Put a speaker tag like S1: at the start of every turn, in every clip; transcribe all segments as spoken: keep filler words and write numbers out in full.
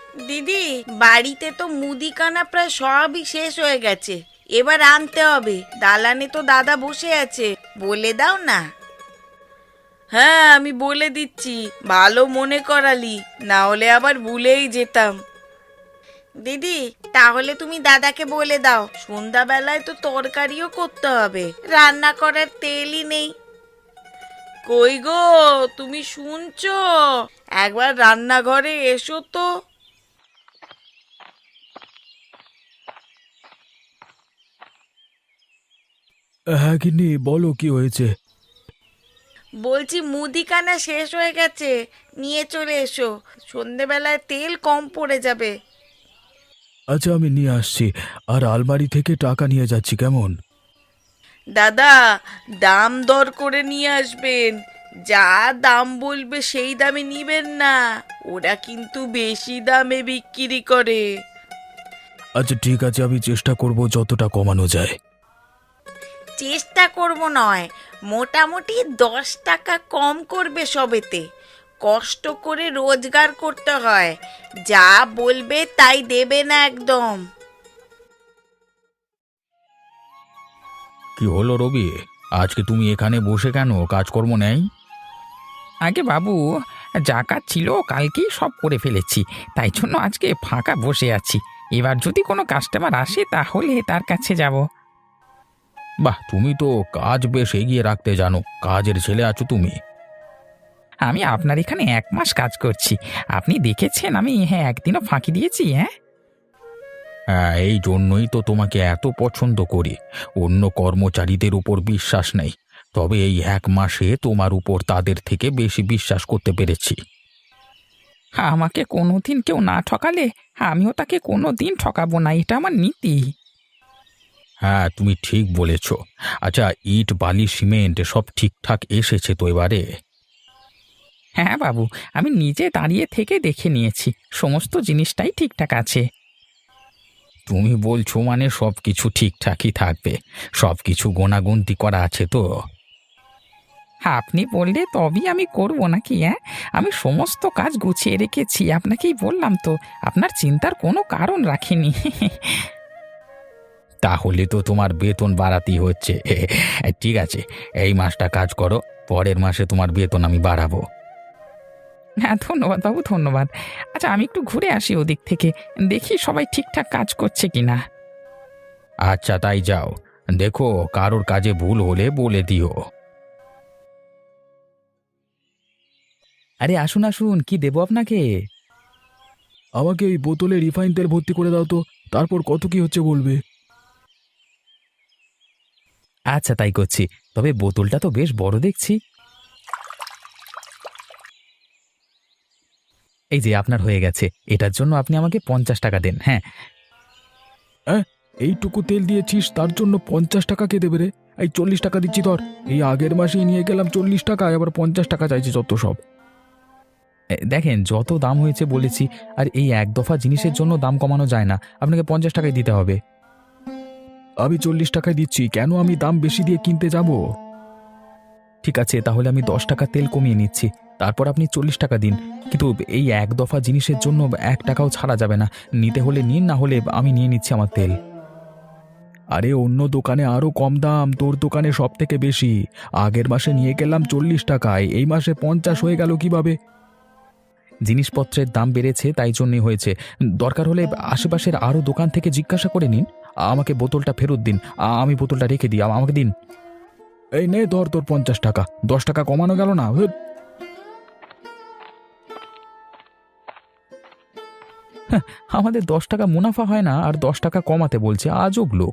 S1: দিদি, বাড়িতে তো মুদিখানা প্রায় সবই শেষ হয়ে গেছে, এবার আনতে হবে। দালানে তো দাদা বসে আছে, বলে দাও না। হ্যাঁ, আমি বলে দিচ্ছি, ভালো মনে করালি, না হলে আবার ভুলেই যেতাম। দিদি, তাহলে তুমি দাদাকে বলে দাও, সন্ধ্যাবেলায় তো তরকারিও করতে হবে, রান্না করার তেলই নেই। কই গো, তুমি শুনছো? একবার রান্নাঘরে এসো তো।
S2: হ্যাঁ গিন্নি, বলো কি হয়েছে?
S1: বলছি মুদিখানা শেষ হয়ে গেছে, নিয়ে চলে এসো, সন্ধেবেলায় তেল কম পড়ে যাবে।
S2: আচ্ছা, আমি নিয়ে আসছি। আর আলমারি থেকে টাকা নিয়ে যাচ্ছি, কেমন?
S1: দাদা, দাম দর করে নিয়ে আসবেন, যা দাম বলবে সেই দামে নিবেন না, ওরা কিন্তু বেশি দামে বিক্রি করে।
S2: আচ্ছা ঠিক আছে, আমি চেষ্টা করব যতটা কমানো যায়।
S1: চেষ্টা করব নয়, মোটামুটি দশ টাকা কম করবে সবেতে। কষ্ট করে রোজগার করতে হয়, যা বলবে তাই দেবে না একদম।
S2: কি হলো রবি, আজকে তুমি এখানে বসে কেন? কাজকর্ম নেই?
S3: আগে বাবু, যা কাজ ছিল কালকেই সব করে ফেলেছি, তাই জন্য আজকে ফাঁকা বসে আছি। এবার যদি কোনো কাস্টমার আসে তাহলে তার কাছে যাব।
S2: বাহ, তুমি তো কাজ বেশ এগিয়ে রাখতে জানো। কাজের ছেলে আছো তুমি।
S3: আমি আপনার এখানে এক মাস কাজ করছি, আপনি দেখেছেন আমি হ্যাঁ একদিনও ফাঁকি দিয়েছি? হ্যাঁ,
S2: হ্যাঁ, এই জন্যই তো তোমাকে এত পছন্দ করি। অন্য কর্মচারীদের উপর বিশ্বাস নেই, তবে এই এক মাসে তোমার উপর তাদের থেকে বেশি বিশ্বাস করতে পেরেছি।
S3: আমাকে কোনোদিন কেউ না ঠকালে আমিও তাকে কোনো দিন ঠকাবো না, এটা আমার নীতি।
S2: হ্যাঁ, তুমি ঠিক বলেছ। আচ্ছা, ইট বালি সিমেন্ট সব ঠিকঠাক এসেছে তো এবারে?
S3: হ্যাঁ বাবু, আমি নিজে দাঁড়িয়ে থেকে দেখে নিয়েছি, সমস্ত জিনিসটাই ঠিকঠাক আছে।
S2: তুমি বলছো মানে সব কিছু ঠিকঠাকই থাকবে? সব কিছু গোনাগুনতি করা আছে তো?
S3: আপনি বললে তবেই আমি করব নাকি? হ্যাঁ, আমি সমস্ত কাজ গুছিয়ে রেখেছি, আপনাকেই বললাম তো, আপনার চিন্তার কোনো কারণ রাখিনি।
S2: তাহলে তো তোমার বেতন বাড়াতেই হচ্ছে। ঠিক আছে, এই মাসটা কাজ করো, পরের মাসে তোমার বেতন আমি বাড়াবো।
S3: হ্যাঁ ধন্যবাদ বাবু, ধন্যবাদ। আচ্ছা, আমি একটু ঘুরে আসি ওদিক থেকে, দেখি সবাই ঠিকঠাক কাজ করছে কিনা।
S2: আচ্ছা, তাই যাও, দেখো কারোর কাজে ভুল হলে বলে দিও।
S3: আরে আসুন আসুন, কি দেবো আপনাকে?
S2: আমাকে এই বোতলে রিফাইন তেল ভর্তি করে দাও তো, তারপর কত কি হচ্ছে বলবে।
S3: আচ্ছা তাই করছি, তবে বোতলটা তো বেশ বড় দেখছি। এই যে আপনার হয়ে গেছে, এটার জন্য আপনি আমাকে পঞ্চাশ টাকা দেন। হ্যাঁ,
S2: হ্যাঁ, এইটুকু তেল দিয়েছিস, তার জন্য পঞ্চাশ টাকা কে দেবে রে? এই চল্লিশ টাকা দিচ্ছি ধর। এই আগের মাসেই নিয়ে গেলাম চল্লিশ টাকা, আবার পঞ্চাশ টাকা চাইছে যত সব।
S3: এ, দেখেন যত দাম হয়েছে বলেছি, আর এই এক দফা জিনিসের জন্য দাম কমানো যায় না, আপনাকে পঞ্চাশ টাকায় দিতে হবে।
S2: আমি চল্লিশ টাকায় দিচ্ছি, কেন আমি দাম বেশি দিয়ে কিনতে যাব?
S3: ঠিক আছে, তাহলে আমি দশ টাকা তেল কমিয়ে নিচ্ছি, তারপর আপনি চল্লিশ টাকা দিন। কিন্তু এই এক দফা জিনিসের জন্য এক টাকাও ছাড়া যাবে না, নিতে হলে নিন, না হলে আমি নিয়ে নিচ্ছি আমার তেল।
S2: আরে অন্য দোকানে আরো কম দাম, তোর দোকানে সব থেকে বেশি। আগের মাসে নিয়ে গেলাম চল্লিশ টাকায়, এই মাসে পঞ্চাশ হয়ে গেল কিভাবে?
S3: জিনিসপত্রের দাম বেড়েছে তাই জন্যই হয়েছে, দরকার হলে আশেপাশের আরও দোকান থেকে জিজ্ঞাসা করে নিন। আমাকে বোতলটা ফেরত দিন, আ- আমি বোতলটা রেখে দিই, আ- আমাকে দিন।
S2: এই নে ধর তোর পঞ্চাশ টাকা, দশ টাকা কমানো গেল না? হুট।
S3: আমাদের দশ টাকা মুনাফা হয় না আর দশ টাকা কমাতে বলছে, আজব লোক।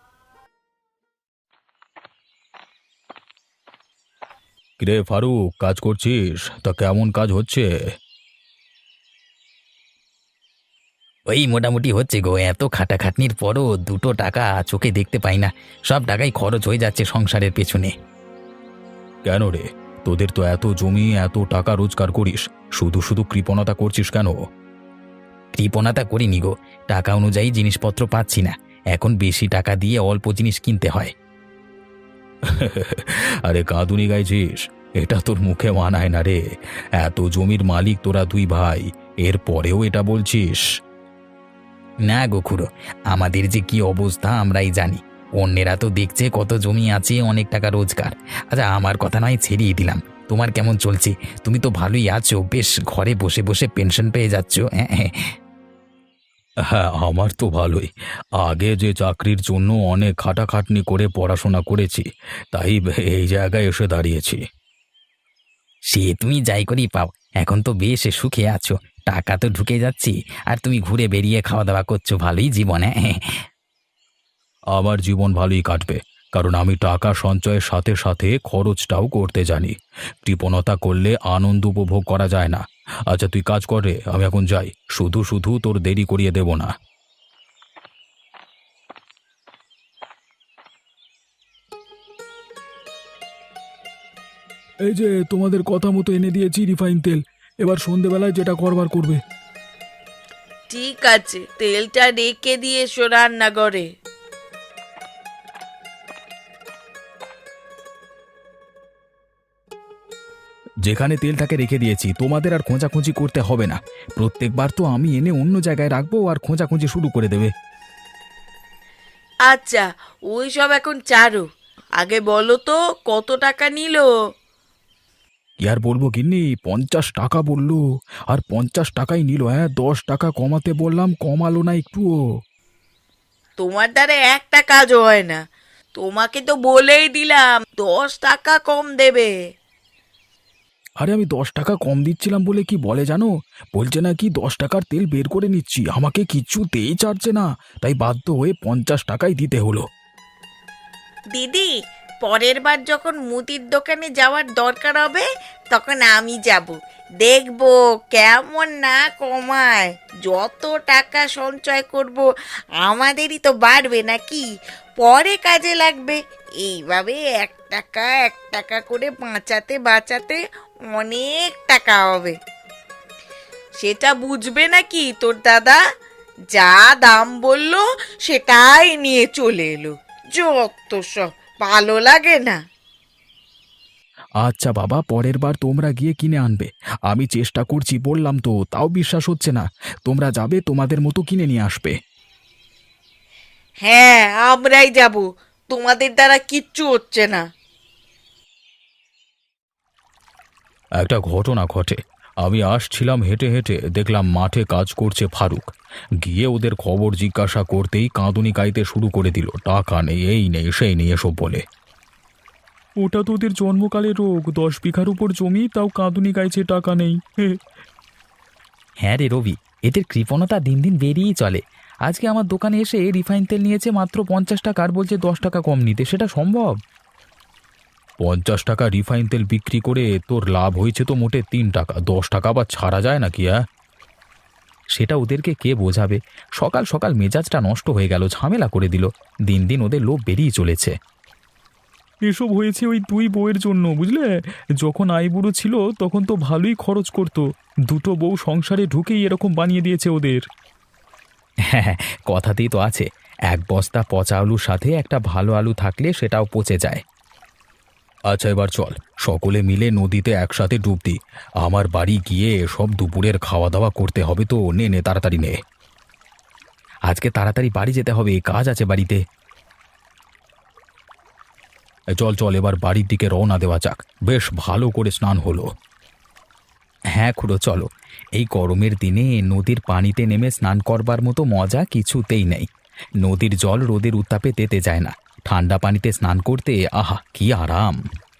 S2: কিরে ফারুক, কাজ করছিস? তা কেমন কাজ হচ্ছে?
S3: ওই মোটামুটি হচ্ছে গো, এত খাটাখাটনির পরও দুটো টাকা চোখে দেখতে পাই না, সব টাকাই খরচ হয়ে যাচ্ছে সংসারের পেছনে।
S2: কেন রে, তোদের তো এত জমি, এত টাকা রোজগার করিস, শুধু শুধু কৃপণতা করছিস কেন?
S3: কৃপণতা করিনি গো, টাকা অনুযায়ী জিনিসপত্র পাচ্ছি না, এখন বেশি টাকা দিয়ে অল্প জিনিস কিনতে হয়।
S2: আরে কাঁদুনি গাইছিস, এটা তোর মুখে মানায় না রে। এত জমির মালিক তোরা দুই ভাই, এর পরেও এটা বলছিস?
S4: না গো খুড়ো, আমাদের যে কি অবস্থা আমরাই জানি। অন্যেরা তো দেখছে কত জমি আছে, অনেক টাকা রোজগার। আচ্ছা আমার কথা নয় ছেড়িয়ে দিলাম, তোমার কেমন চলছে? তুমি তো ভালোই আছো, বেশ ঘরে বসে বসে পেনশন পেয়ে যাচ্ছ। হ্যাঁ হ্যাঁ।
S2: হ্যাঁ, আমার তো ভালোই। আগে যে চাকরির জন্য অনেক খাটাখাটনি করে পড়াশোনা করেছি, তাই এই জায়গায় এসে দাঁড়িয়েছি।
S4: সে তুমি যাই করেই পাও, এখন তো বেশ সুখে আছো, টাকা তো ঢুকে যাচ্ছি, আর তুমি ঘুরে বেরিয়ে খাওয়া দাওয়া করছো, ভালোই জীবন। হ্যাঁ
S2: আমার জীবন ভালোই কাটবে, কারণ আমি টাকা সঞ্চয়ের সাথে সাথে খরচটাও করতে জানি। কৃপণতা করলে আনন্দ উপভোগ করা যায় না। আচ্ছা তুই কাজ কর রে, আমি এখন যাই। শুধু শুধু তোর দেরি করিয়ে দেব না।
S3: এই যে তোমাদের কথা মতো এনে দিয়েছি রিফাইন তেল, এবার সন্ধেবেলায় যেটা করবার করবে।
S1: ঠিক আছে, তেলটা রেখে দিয়ে এসো রান্নাঘরে।
S3: যেখানে তেলটাকে রেখে দিয়েছি তোমাদের আর খোঁজাখুঁজি করতে হবে না। প্রত্যেকবার তো আমি এনে অন্য জায়গায় রাখবো আর খোঁজাখুঁজি শুরু করে দেবে।
S1: আচ্ছা, ওই সব এখন চারো, আগে বলো তো কত টাকা নিল?
S3: কি আর বলবো গিন্নি, পঞ্চাশ টাকা বললো, আর পঞ্চাশ টাকাই নিল। হ্যাঁ, দশ টাকা কমাতে বললাম, কমালো না একটুও।
S1: তোমার দ্বারা একটা কাজও হয় না, তোমাকে তো বলেই দিলাম দশ টাকা কম দেবে।
S3: আরে আমি দশ টাকা কম দিচ্ছিলাম বলে কি বলে জানো, বলছে না কি দশ টাকার তেল বের করে নিচ্ছি, আমাকে কিছুতেই ছাড়ছে না, তাই বাধ্য হয়ে পঞ্চাশ টাকাই দিতে হলো।
S1: দিদি, পরের বার যখন মুদির দোকানে যাওয়ার দরকার হবে তখন আমি যাব, দেখবো কেমন না কমায়। যত টাকা সঞ্চয় করব আমাদেরই তো বাড়বে নাকি, পরে কাজে লাগবে। এইভাবে এক টাকা এক টাকা করে বাঁচাতে বাঁচাতে অনেক টাকা হবে। সেটা বুঝবে নাকি তোর দাদা? যা দাম বললো সেটাই নিয়ে চলে এলো, যত সব, ভালো লাগে না।
S3: আচ্ছা বাবা, পরের বার তোমরা গিয়ে কিনে আনবে, আমি চেষ্টা করছি বললাম তো, তাও বিশ্বাস হচ্ছে না। তোমরা যাবে, তোমাদের মতো কিনে নিয়ে আসবে।
S1: হ্যাঁ, আমরাই যাব, তোমাদের দ্বারা কিচ্ছু হচ্ছে না।
S2: একটা ঘটনা ঘটে। আমি আসছিলাম হেঁটে হেঁটে, দেখলাম মাঠে কাজ করছে ফারুক। গিয়ে ওদের খবর জিজ্ঞাসা করতেই কাঁদুনি গাইতে শুরু করে দিল, টাকা নেই, এই নেই, সেই নেই, এসব বলে।
S3: ওটা তো ওদের জন্মকালের রোগ, দশ বিঘার উপর জমি, তাও কাঁদুনি গাইছে টাকা নেই।
S4: হ্যাঁ রে রবি, এদের কৃপণতা দিন দিন বেরিয়েই চলে। আজকে আমার দোকানে এসে রিফাইন তেল নিয়েছে মাত্র পঞ্চাশ টাকা, আর বলছে দশ টাকা কম নিতে, সেটা সম্ভব?
S2: পঞ্চাশ টাকা রিফাইন তেল বিক্রি করে তোর লাভ হয়েছে তো মোটে তিন টাকা, দশ টাকা আবার ছাড়া যায় নাকি? হ্যাঁ,
S4: সেটা ওদেরকে কে বোঝাবে? সকাল সকাল মেজাজটা নষ্ট হয়ে গেল, ঝামেলা করে দিল। দিন দিন ওদের লোভ বেরিয়ে চলেছে।
S3: এসব হয়েছে ওই দুই বউয়ের জন্য, বুঝলে? যখন আইবুড়ো ছিল তখন তো ভালোই খরচ করতো, দুটো বউ সংসারে ঢুকেই এরকম বানিয়ে দিয়েছে ওদের।
S4: হ্যাঁ হ্যাঁ, কথাতেই তো আছে, এক বস্তা পচা আলুর সাথে একটা ভালো আলু থাকলে সেটাও পচে যায়।
S2: আচ্ছা এবার চল, সকলে মিলে নদীতে একসাথে ডুব দিই। আমার বাড়ি গিয়ে সব দুপুরের খাওয়া দাওয়া করতে হবে তো, নে নে তাড়াতাড়ি নে।
S4: আজকে তাড়াতাড়ি বাড়ি যেতে হবে, কাজ আছে বাড়িতে।
S2: এ চল চল, এবার বাড়ির দিকে রওনা দেওয়া যাক। বেশ ভালো করে স্নান হলো।
S4: হ্যাঁ খুড়ো, চলো। এই গরমের দিনে নদীর পানিতে নেমে স্নান করবার মতো মজা কিছুতেই নেই। নদীর জল রোদের উত্তাপে তেতে যায় না, ঠান্ডা পানিতে স্নান করতে আহা কি আরাম।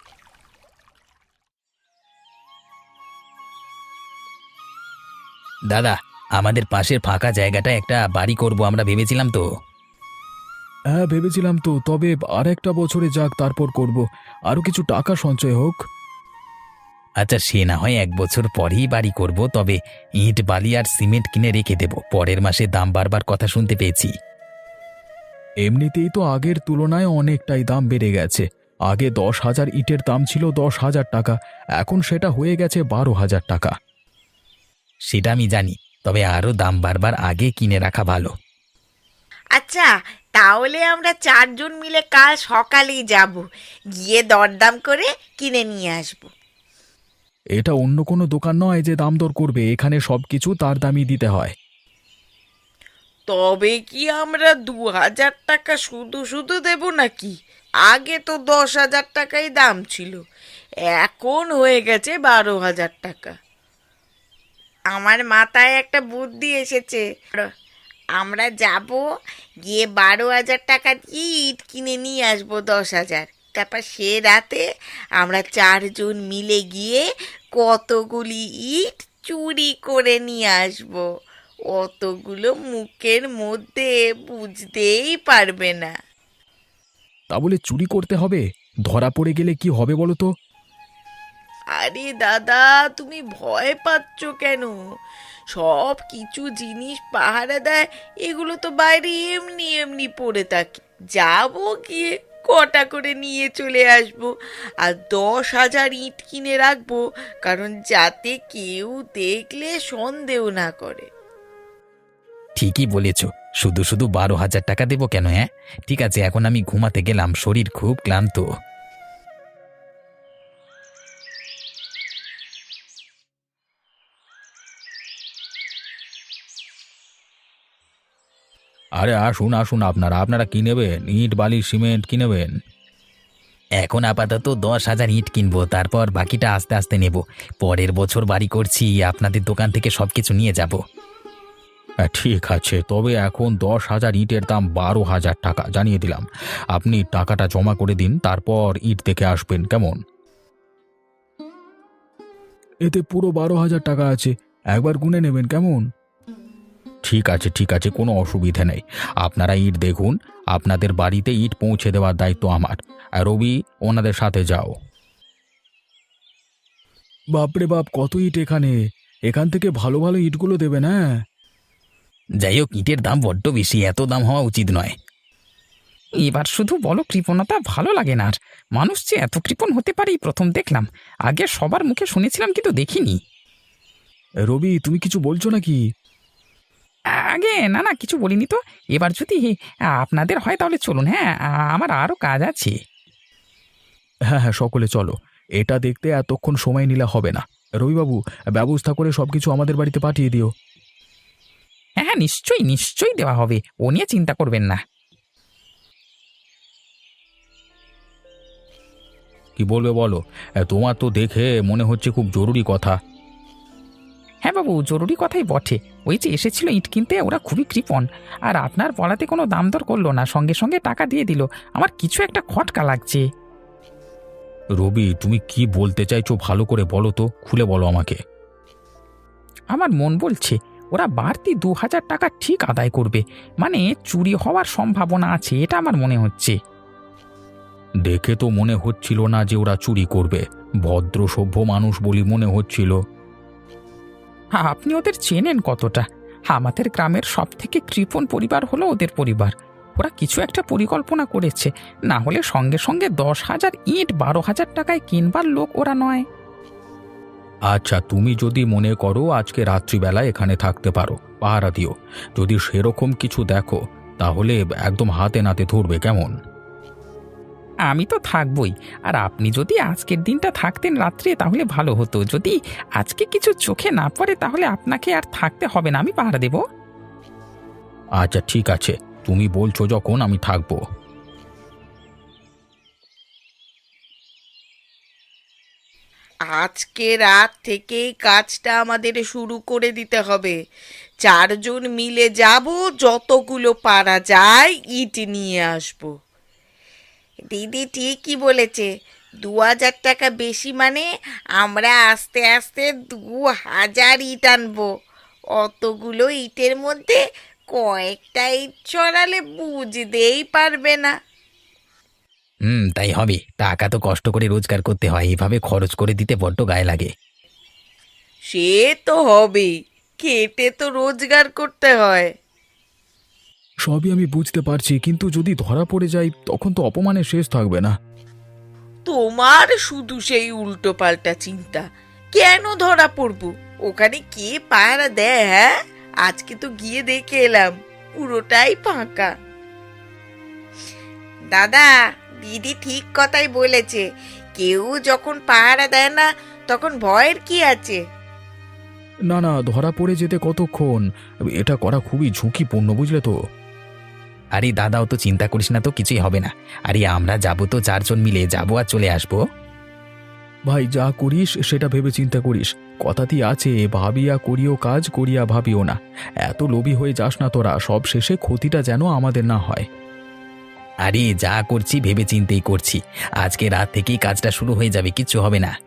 S4: দাদা, আমাদের পাশের ফাঁকা জায়গাটায় একটা বাড়ি করব আমরা ভেবেছিলাম তো।
S3: হ্যাঁ ভেবেছিলাম তো, তবে আর একটা বছরে যাক, তারপর করব, আরো কিছু টাকা সঞ্চয় হোক।
S4: আচ্ছা সে না হয় এক বছর পরেই বাড়ি করব, তবে ইট বালি আর সিমেন্ট কিনে রেখে দেব, পরের মাসে দাম বাড়বার কথা শুনতে পেয়েছি।
S3: এমনিতেই তো আগের তুলনায় অনেকটাই দাম বেড়ে গেছে। আগে দশ হাজার ইটের দাম ছিল দশ হাজার টাকা, এখন সেটা হয়ে গেছে বারো হাজার টাকা।
S4: সেটা আমি জানি, তবে আরও দাম বাড়বার আগে কিনে রাখা ভালো।
S1: আচ্ছা, তাহলে আমরা চারজন মিলে কাল সকালেই যাব, গিয়ে দরদাম করে কিনে নিয়ে আসব।
S3: এটা অন্য কোনো দোকান নয় যে দাম দর করবে, এখানে সব কিছু তার দামই দিতে হয়।
S1: তবে কি আমরা দু হাজার টাকা শুধু শুধু দেব নাকি? আগে তো দশ হাজার টাকাই দাম ছিল, এখন হয়ে গেছে বারো হাজার টাকা। আমার মাথায় একটা বুদ্ধি এসেছে। আমরা যাব, গিয়ে বারো হাজার টাকা দিয়ে ইট কিনে নিয়ে আসবো দশ হাজার। তারপর সে রাতে আমরা চারজন মিলে গিয়ে কতগুলি ইট চুরি করে নিয়ে আসবো। অতগুলো মুখের মধ্যে বুঝতেই পারবে না।
S3: তা বলে চুরি করতে হবে? ধরা পড়ে গেলে কি হবে বলো তো?
S1: আরে দাদা, তুমি ভয় পাচ্ছ কেন? সব কিছু জিনিস পাহারা দেয়, এগুলো তো বাইরে এমনি এমনি পড়ে থাকে। যাবো, গিয়ে কটা করে নিয়ে চলে আসবো, আর দশ হাজার ইট কিনে রাখবো, কারণ যাতে কেউ দেখলে সন্দেহ না করে।
S4: ঠিকই বলেছ, শুধু শুধু বারো হাজার টাকা দেবো কেন? হ্যাঁ, ঠিক আছে, এখন আমি ঘুমাতে গেলাম, শরীর খুব ক্লান্ত।
S2: আরে আসুন আসুন, আপনারা আপনারা কি নেবেন? ইট বালি সিমেন্ট কি নেবেন?
S4: এখন আপাতত দশ হাজার ইট কিনবো, তারপর বাকিটা আস্তে আস্তে নেব। পরের বছর বাড়ি করছি, আপনাদের দোকান থেকে সবকিছু নিয়ে যাব।
S2: হ্যাঁ, ঠিক আছে, তবে এখন দশ হাজার ইটের দাম বারো হাজার টাকা জানিয়ে দিলাম। আপনি টাকাটা জমা করে দিন, তারপর ইট দেখে আসবেন, কেমন?
S3: এতে পুরো বারো হাজার টাকা আছে, একবার গুনে নেবেন, কেমন?
S2: ঠিক আছে ঠিক আছে, কোনো অসুবিধে নেই। আপনারা ইট দেখুন, আপনাদের বাড়িতে ইট পৌঁছে দেওয়ার দায়িত্ব আমার। আর রবি, ওনাদের সাথে যাও।
S3: বাপরে বাপ, কত ইট এখানে! এখান থেকে ভালো ভালো ইটগুলো দেবে না?
S4: যাই হোক, ইটের দাম বড্ড বেশি, এত দাম হওয়া উচিত নয়। এবার শুধু বলো, কৃপণতা ভালো লাগে না আর। মানুষ যে এত কৃপণ হতে পারে এই প্রথম দেখলাম। আগে সবার মুখে শুনেছিলাম, কিন্তু দেখিনি।
S3: রবি, তুমি কিছু বলছো নাকি?
S4: আগে না না, কিছু বলিনি তো। এবার যদি আপনাদের হয় তাহলে চলুন। হ্যাঁ, আমার আরও কাজ আছে।
S3: হ্যাঁ হ্যাঁ, সকলে চলো। এটা দেখতে এতক্ষণ সময় নিলে হবে না। রবিবাবু, ব্যবস্থা করে সবকিছু আমাদের বাড়িতে পাঠিয়ে দিও।
S4: হ্যাঁ হ্যাঁ, নিশ্চয়ই নিশ্চয়ই দেওয়া হবে, ও নিয়ে চিন্তা করবেন না।
S2: কি বলবে বলো? তোমার তো দেখে মনে হচ্ছে খুব জরুরি কথা।
S4: হ্যাঁ বাবু, জরুরি কথাই বটে। ওই যে এসেছিল ইট কিনতে, ওরা খুবই কৃপণ। আর আপনার বলাতে কোনো দাম দর করলো না, সঙ্গে সঙ্গে টাকা দিয়ে দিল। আমার কিছু একটা খটকা লাগছে।
S2: রবি, তুমি কি বলতে চাইছো ভালো করে বলো তো, খুলে বলো আমাকে।
S4: আমার মন বলছে ওরা বাড়তি দু হাজার টাকা ঠিক আদায় করবে। মানে চুরি হওয়ার সম্ভাবনা আছে, এটা আমার মনে হচ্ছে।
S2: দেখে তো মনে হচ্ছিল না যে ওরা চুরি করবে, ভদ্র সভ্য মানুষ বলি মনে হচ্ছিল।
S4: হ্যাঁ, আপনি ওদের চেনেন কতটা? আমাদের গ্রামের সব থেকে কৃপণ পরিবার হলো ওদের পরিবার। ওরা কিছু একটা পরিকল্পনা করেছে, না হলে সঙ্গে সঙ্গে দশ হাজার ইট বারো হাজার টাকায় কিনবার লোক ওরা নয়।
S2: আচ্ছা, তুমি যদি মনে করো আজকে রাত্রিবেলা এখানে থাকতে পারো, পাহারা দিও। যদি সেরকম কিছু দেখো তাহলে একদম হাতে নাতে ধরবে, কেমন?
S4: আমি তো থাকবই। আর আপনি যদি আজকের দিনটা থাকতেন রাত্রে তাহলে ভালো হতো। যদি আজকে কিছু চোখে না পড়ে তাহলে আপনাকে আর থাকতে হবে না, আমি পাহারা দেব।
S2: আচ্ছা ঠিক আছে, তুমি বলছো যখন আমি থাকবো।
S1: আজকে রাত থেকেই কাজটা আমাদের শুরু করে দিতে হবে। চারজন মিলে যাব, যতগুলো পারা যায় ইট নিয়ে আসবো। দিদি ঠিকই বলেছে, দু হাজার টাকা বেশি মানে আমরা আস্তে আস্তে দু হাজার ইট আনবো। অতগুলো ইটের মধ্যে কয়েকটা ইট ছড়ালে বুঝতেই পারবে না।
S4: হুম, তাই হবে। টাকা তো কষ্ট করে রোজগার করতে হয়, এভাবে খরচ করে দিতে বড্ড গায়ে লাগে।
S1: সে তো হবেই, খেটে তো রোজগার করতে হয়।
S3: সবই আমি বুঝতে পারছি, কিন্তু যদি ধরা পড়ে যাই তখন তো অপমানের শেষ থাকবে না।
S1: তোমার শুধু সেই উল্টো পাল্টা চিন্তা। কেন ধরা পড়বো? ওখানে কে পাহারা দেয়? হ্যাঁ, আজকে তো গিয়ে দেখে এলাম, পুরোটাই ফাঁকা। দাদা, দিদি ঠিক কথাই বলেছে। কেউ যখন পাহারা দেয় না, তখন ভয়ের কি আছে?
S3: না না, ধরা পড়ে যেতে কতক্ষণ? এটা করা খুবই ঝুঁকিপূর্ণ, বুঝলে তো।
S4: আরে দাদাও তো চিন্তা করিস না, তো কিছুই হবে না। আরে আমরা যাবো তো, চারজন মিলে যাবো আর চলে আসবো।
S3: ভাই, যা করিস সেটা ভেবে চিন্তা করিস। কথাতেই আছে, ভাবিয়া করিও কাজ, করিয়া ভাবিও না। এত লোভী হয়ে যাস না তোরা, সব শেষে ক্ষতিটা যেন আমাদের না হয়।
S4: আরে যা করছি ভেবে চিন্তেই করছি। আজকে রাত থেকেই কাজটা শুরু হয়ে যাবে, কিচ্ছু হবে না।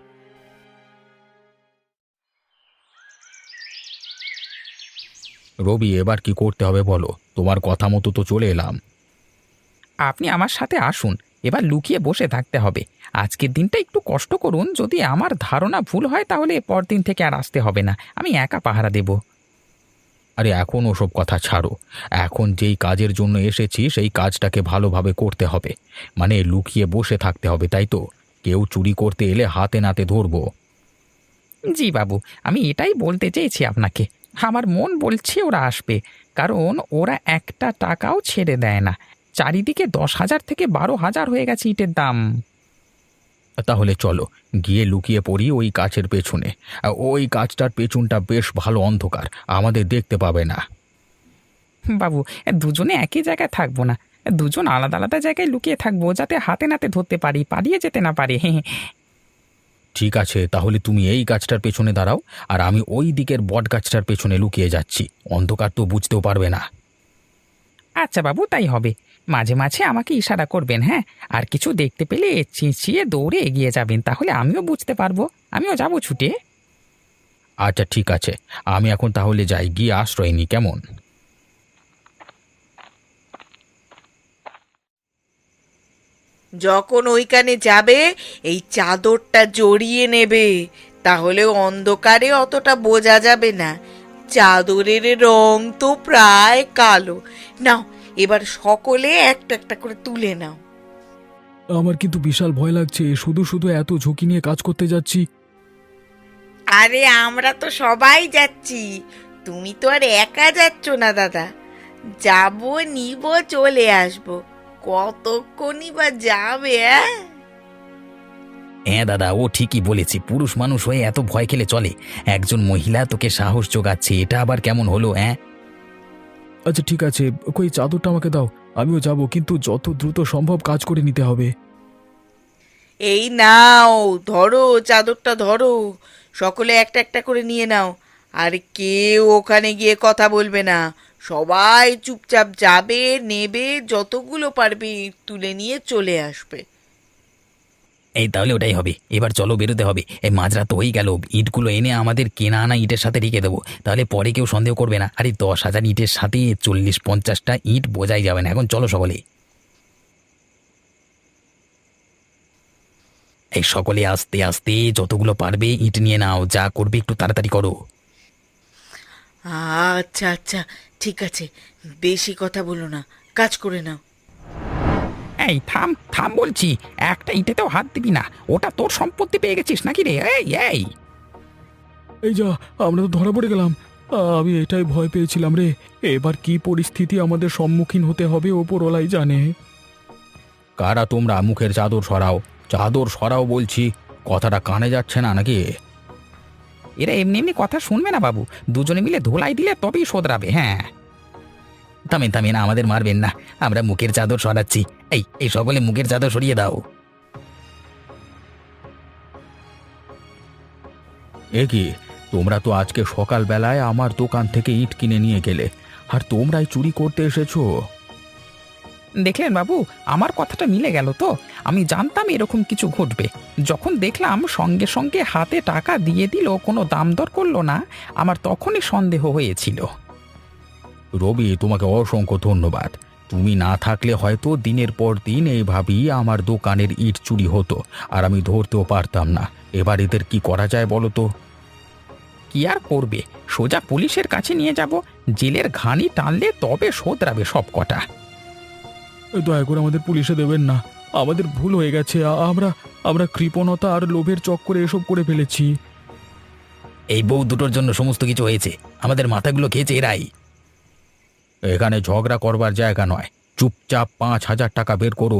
S2: রবি, এবার কি করতে হবে বলো? তোমার কথা মতো তো চলে এলাম।
S5: আপনি আমার সাথে আসুন, এবার লুকিয়ে বসে থাকতে হবে। আজকের দিনটা একটু কষ্ট করুন, যদি আমার ধারণা ভুল হয় তাহলে পরদিন থেকে আর আসতে হবে না, আমি একা পাহারা দেব।
S2: আরে এখন ওসব কথা ছাড়ো। এখন যেই কাজের জন্য এসেছি সেই কাজটাকে ভালোভাবে করতে হবে। মানে লুকিয়ে বসে থাকতে হবে, তাই তো? কেউ চুরি করতে এলে হাতে নাতে ধরবো।
S5: জি বাবু, আমি এটাই বলতে চেয়েছি আপনাকে। আমার মন বলছে ওরা আসবে, কারণ ওরা একটা টাকাও ছেড়ে দেয় না। চারিদিকে দশ হাজার থেকে বারো হাজার হয়ে গেছে ইটের দাম।
S2: তাহলে চলো গিয়ে লুকিয়ে পড়ি ওই গাছের পেছনে। আর ওই গাছটার পেছনটা বেশ ভালো অন্ধকার, আমাদের দেখতে পাবে না।
S5: বাবু, দুজনে একই জায়গায় থাকবো না, দুজন আলাদা আলাদা জায়গায় লুকিয়ে থাকবো, যাতে হাতে নাতে ধরতে পারি, পালিয়ে যেতে না পারে।
S2: ঠিক আছে, তাহলে তুমি এই গাছটার পেছনে দাঁড়াও, আর আমি ওই দিকের বট গাছটার পেছনে লুকিয়ে যাচ্ছি। অন্ধকার তো বুঝতেও পারবে না।
S5: আচ্ছা বাবু, তাই হবে। মাঝে মাঝে আমাকে ইশারা করবেন, হ্যাঁ? আর কিছু দেখতে পেলে চেঁচিয়ে দৌড়ে এগিয়ে যাবেন, তাহলে আমিও বুঝতে পারবো, আমিও যাবো ছুটে।
S2: আচ্ছা ঠিক আছে, আমি এখন তাহলে যাই, গিয়ে আশ্রয় নি, কেমন?
S1: যখন ওইখানে যাবে এই চাদরটা জড়িয়ে নেবে, তাহলে অন্ধকারে অতটা বোঝা যাবে না। চাদরের রং তো প্রায় কালো। নাও, এবার সকলে একটা একটা করে তুলে নাও।
S3: আমার কিন্তু বিশাল ভয় লাগছে, শুধু শুধু এত ঝুঁকি নিয়ে কাজ করতে যাচ্ছি।
S1: আরে আমরা তো সবাই যাচ্ছি, তুমি তো আর একা যাচ্ছ না দাদা। যাবো, নিব, চলে আসবো। কতক্ষণই বা যাবে? হ্যাঁ
S4: হ্যাঁ দাদা, ও ঠিকই বলেছে। পুরুষ মানুষ হয়ে এত ভয় খেলে চলে? একজন মহিলা তোকে সাহস যোগাচ্ছে, এটা আবার কেমন হলো? হ্যাঁ
S3: আচ্ছা ঠিক আছে, কই চাদরটা আমাকে দাও, আমিও যাব, কিন্তু যত দ্রুত সম্ভব কাজ করে নিতে হবে।
S1: এই নাও, ধরো চাদরটা, ধরো। সকলে একটা একটা করে নিয়ে নাও। আর কেউ ওখানে গিয়ে কথা বলবে না, সবাই চুপচাপ যাবে, নেবে, যতগুলো পারবে তুলে নিয়ে চলে আসবে।
S4: এই তাহলে ওটাই হবে। এবার চলো, বেরোতে হবে। এই মাঝরাত তো হয়ে গেল, ইটগুলো এনে আমাদের কেনা আনা ইটের সাথে রেখে দেবো, তাহলে পরে কেউ সন্দেহ করবে না। আরে দশ হাজার ইটের সাথে চল্লিশ পঞ্চাশটা ইট বোঝাই যাবে না। এখন চলো সকলে, এই সকলে আস্তে আস্তে যতগুলো পারবে ইট নিয়ে নাও। যা করবে একটু তাড়াতাড়ি করো।
S1: আচ্ছা আচ্ছা, ঠিক আছে, বেশি কথা বলো না, কাজ করে নাও।
S5: এই থাম থাম বলছি, একটা ইটেতেও হাত দিবি না, ওটা তোর সম্পত্তি পেয়ে গেছিস নাকি রে? এই এই
S3: এই যা, আমরা তো ধরা পড়ে গেলাম। আ, আমি এটাই ভয় পেয়েছিলাম রে। এবার কি পরিস্থিতি আমাদের সম্মুখীন হতে হবে ওপরওয়ালাই জানে।
S2: কারা তোমরা? মুখের চাদর সরাও, চাদর সরাও বলছি। কথাটা কানে যাচ্ছে না নাকি?
S5: এরা এমনি এমনি কথা শুনবে না বাবু, দুজনে মিলে ধোলাই দিলে তবেই শোধরাবে। হ্যাঁ
S4: থামেন থামেন, আমাদের মারবেন না, আমরা মুখের চাদর সরাচ্ছি। এই এই সকলে মুখের চাদর সরিয়ে দাও।
S2: এ কি, তোমরা তো আজকে সকালবেলায় আমার দোকান থেকে ইট কিনে নিয়ে গেলে, আর তোমরাই চুরি করতে এসেছো?
S5: দেখলেন বাবু, আমার কথাটা মিলে গেল তো। আমি জানতাম এরকম কিছু ঘটবে। যখন দেখলাম সঙ্গে সঙ্গে হাতে টাকা দিয়ে দিল, কোনো দাম দর করলো না, আমার তখনই সন্দেহ হয়েছিল।
S2: রবি, তোমাকে অসংখ্য ধন্যবাদ। তুমি না থাকলে হয়তো দিনের পর দিন এইভাবেই আমার দোকানের ইট চুরি হতো, আর আমি ধরতেও পারতাম না। এবার এদের কি করা যায় বলো তো?
S5: কি আর করবে, সোজা পুলিশের কাছে নিয়ে যাব, জেলের ঘানি টানলে তবে শোধরাবে সব কটা।
S3: দয়া করে আমাদের পুলিশে দেবেন না, আমাদের ভুল হয়ে গেছে। আ- আমরা আমরা কৃপণতা আর লোভের চক্করে এসব করে ফেলেছি।
S4: এই বউ দুটোর জন্য সমস্ত কিছু হয়েছে, আমাদের মাথাগুলো খেয়েছে এরাই।
S2: এখানে ঝগড়া করবার জায়গা নয়, চুপচাপ পাঁচ হাজার টাকা বের করো।